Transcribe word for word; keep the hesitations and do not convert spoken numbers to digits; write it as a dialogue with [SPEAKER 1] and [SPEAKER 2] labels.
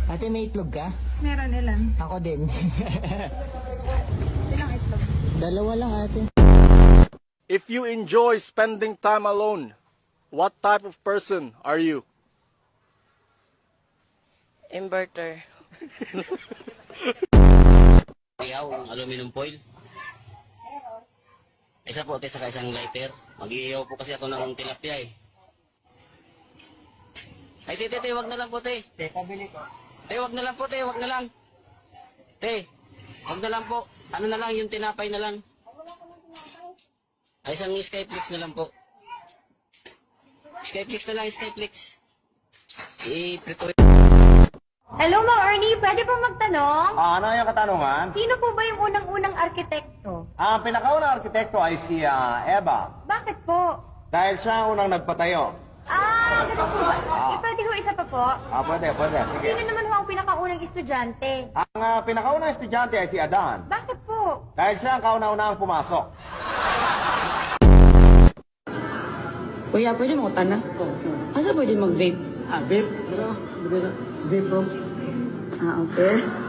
[SPEAKER 1] Ate, may itlog ka?
[SPEAKER 2] Meron ilan?
[SPEAKER 1] Ako din.
[SPEAKER 2] Ilang itlog?
[SPEAKER 1] Dalawa lang, ate.
[SPEAKER 3] If you enjoy spending time alone, what type of person are you?
[SPEAKER 4] Inverter.
[SPEAKER 5] Ihaw, ang aluminum foil. Isa po, te, saka isang lighter. Mag-iihaw po kasi ako ng tilapia eh. Ay, te, te, te, wag na lang po, te.
[SPEAKER 1] Te, pabili ko.
[SPEAKER 5] Te, wag na lang po, te, wag na lang. Te, wag na lang po. Ano na lang, yung tinapay na lang. Ay, isang Skyflix na lang po. Skyflix na lang, Skyflix. I-prito.
[SPEAKER 6] Hello, Mang Ernie. Pwede po magtanong?
[SPEAKER 7] Ah, ano yung katanungan?
[SPEAKER 6] Sino po ba yung unang-unang arkitekto?
[SPEAKER 7] Ang pinakaunang arkitekto ay si ah, Eva.
[SPEAKER 6] Bakit po?
[SPEAKER 7] Dahil siya ang unang nagpatayo.
[SPEAKER 6] Ah, ganun po ba?
[SPEAKER 7] Ah.
[SPEAKER 6] Eh, pwede ho isa pa po?
[SPEAKER 7] Ah, pwede, pwede. Sige.
[SPEAKER 6] Sino naman ho ang pinakaunang estudyante?
[SPEAKER 7] Ang ah, pinakaunang estudyante ay si Adan.
[SPEAKER 6] Bakit po?
[SPEAKER 7] Dahil siya ang kauna-unahang pumasok.
[SPEAKER 4] Kuya, pwede mo utana? Asa pwede mag-vape?
[SPEAKER 1] Ah, vape. Vape, bro.
[SPEAKER 4] Ah, okay.